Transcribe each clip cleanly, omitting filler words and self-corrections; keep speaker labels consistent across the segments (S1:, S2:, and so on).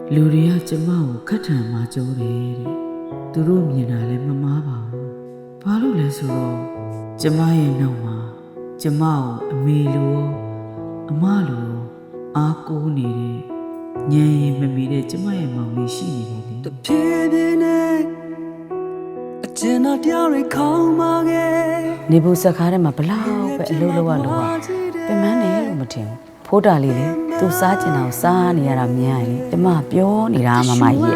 S1: လူတွေကကျမကိုခက်ထန်မှကြိုးတယ်တဲ့သူတို့မြင်တာလည်းမမားပါဘူးဘာလို့လဲဆိုတော့ကျမရဲ့နှုတ်မှာကျမကိုအမေလိုအမလိုအားကိုးနေတဲ့ညံရင်မမီတဲ့ကျမရဲ့မောင်လေးရှိနေတယ်လေတဖြည်းဖြည်းနဲ့အကျဉ်းတော်တရားတွေခေါင်းပါခဲ့နေဘူးစကားထဲမှာဘလောက်ပဲအလုပ်လုပ်ရလို့ပြင်မနေလို့မထင်ဘူးဖိုးတာလေးလေသူစားကျင်တာကိုစားနေရတာမြင်ရရင်ကျမပြောနေတာမမကြီးရဲ့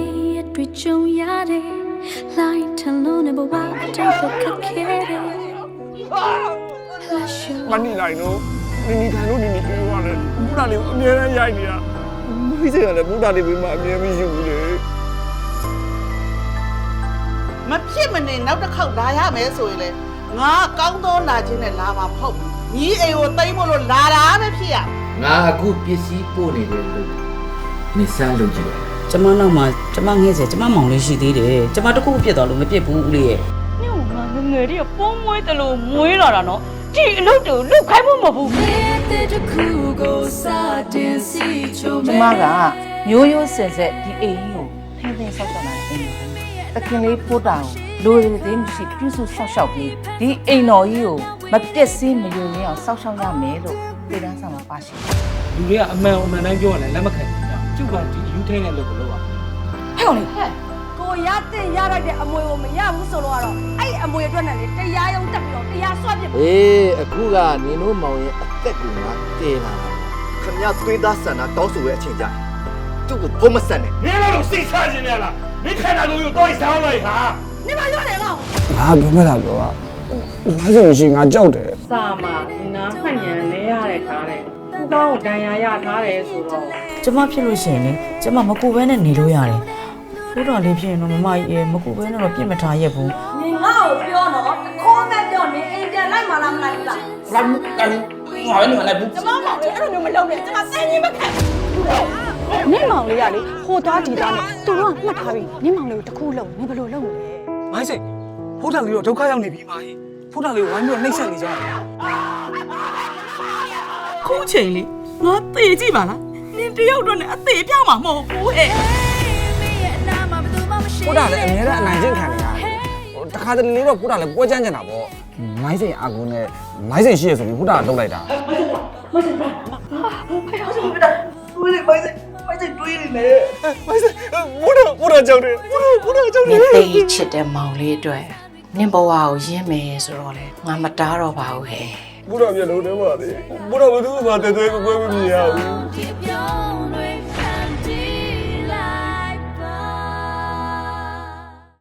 S2: မနီလိုက်နော်နီထိုင်လို့နီပြေးသွားတယ်ဘုရားလေးကိုအမြဲတမ်းရိုက်နေတာမိစေကလည်းဘုရားလေးပြီးမှအမြဲမရှိဘူးလေ
S3: မဖြစ်မနေနောက်တစ်ခေါက်လာရမယ်ဆိုရင်လေငါကောင်းသောလာခြင်းနဲ့လာမှာမဟုတ်ဘူးညီအိမ်ကိုသိမ်းမလို့လာတာပဲဖြစ်ရ
S4: ငါအခုပစ္စည်းပို့နေတယ်လို့မစမ်းလို့ကြည့်
S1: ကျမနောက်မှာကျမငဲ့စေကျမမောင်လေးရှိသေးတယ်ကျမတခုပြစ်သွားလို့မပြစ်ဘူးဦးလေးရဲ့
S5: ညို့ငါငငယ်လေးကပုံမွေးတယ်လို့မွေးလာတာနော်ဒီအလုပ်တူလုတ်ခိုင်းဖို့မဟုတ်ဘူး
S6: ကျမကမျိုးရိုးစင်ဆက်ဒီအိမ်ကိုထိန်းသိမ်းဆောက်ရှောက်လာတဲ့အိမ်ကိုတခင်လေးဖိုးတာကိုလိုရည်သေးမရှိပြုစုဆောက်ရှောက်ပြီးဒီအိမ်တော်ကြီးကိုမပြက်စီးမယုံရအောင်ဆောက်ရှောက်ရမယ်လို့ပြည်တန်းဆောင်မှာပါရှိတယ်
S2: လူတွေကအမှန်တိုင်းပြောရတယ်လက်မခံဘူးကျုပ်ကဒီယူထိန်တဲ့လုပ်ကိုလုပ်ရ
S5: ဟဲ့ကောင်လေးကိုရတဲ့ရလိုက်တဲ့အမွေကိုမရဘူးဆိုတော့အဲ့အမွေအတွက်နဲ့လေတရားရုံးတက်ပြီးတော့တရားဆွတ်ပြစ်
S4: အေးအခုကနင်တို့မောင်ရဲ့အသက်ကိုငါတည်လာတာ
S7: ခင်ဗျာသွေးသားဆန္ဒတောင်းဆိုရဲ့အချိန်ကြကျုပ်ကိုဘုံမဆက်နဲ့
S2: မင်းတို့စိတ်ချခြင်းနဲ့လားမင်းခန္ဓာကိုယ်ကိုတော့ဆောင်းလိုက်ဟာ
S5: နေမရွတယ်ကောင်
S2: ငါပြောမလားပြောอ่ะငါဆိုရင်ငါကြောက်တယ်
S5: စာမှာနားမှတ်ဉာဏ်လဲရတဲ့ခါတဲ့ခုကောင်းကိုဒဏ်ရာရထားတယ်ဆိုတော့
S1: ကျမဖြစ်လို့ရှိရင်လေကျမမကူဘဲနဲ့နေလို့ရတယ်ဖိုးတော်လေးဖြစ်ရင်တော့မမကြီးမကူဘဲနဲ့တော့ပြစ်မထားရက်ဘူး
S5: နေငါ့ကိုပြောတော့တခေါ်မဲ့ပြောနေအိမ်ပြန်လိုက်မှလားမလိုက်ဘူးလား
S2: လာမကန်ငါလည်းမလိုက်ဘူး
S5: ကျမမောင်လေးအဲ့လိုမျိုးမလုပ်နဲ့ကျမစမ်းရင်မခံနင့်မောင်လေးကလေဟိုသားဒီသားနဲ့သူတို့ကမှတ်ထားပြီနင့်မောင်လေးကိုတခုလုံးနင်ဘယ်လိုလုပ်မလဲ
S2: မိုင်းစိတ်ဖိုးတာလေးတော့ဒုက္ခရောက်နေပြီမာကြီးဖိုးတာလေးကိုဝိုင်းပြီးတော့နှိမ့်ဆက်နေကြတယ်
S1: ခုချိန်လေးငါသေကြည့်ပါလားနင်တယောက်တော့နဲ့အသေးပြောင်းမှာမဟုတ်ဘူးဟဲ့
S2: ဖိုးတာလည်းအများနဲ့အနိုင်ကျင့်ခံနေတာတခါတလေတော့ဖိုးတာလည်းပွဲချမ်းကျင်တာပေါ့မိုင်းစိတ်အာကုန်းနဲ့မိုင်းစိတ်ရှိရဆိုပြီးဖိုးတာကတုတ်လိုက်တာ
S3: မိုင်းစိတ်တွေးနေလေ
S2: မိုင်းစိတ်ဖိုးတာကြောက်တယ်ဖိုးတာကြောက်တယ်
S1: နင်သိချစ်တဲ့မောင်လေးအတွက်နင်ဘဝကိုရင်းမယ်ဆိုတော့လေငါမတားတော့ပါဘူးဟဲ့
S2: ဖိုးတာမျက်လုံးထဲမှာလေဖိုးတာဘယ်သူမှတဲတဲကွဲမမြင်ရဘူး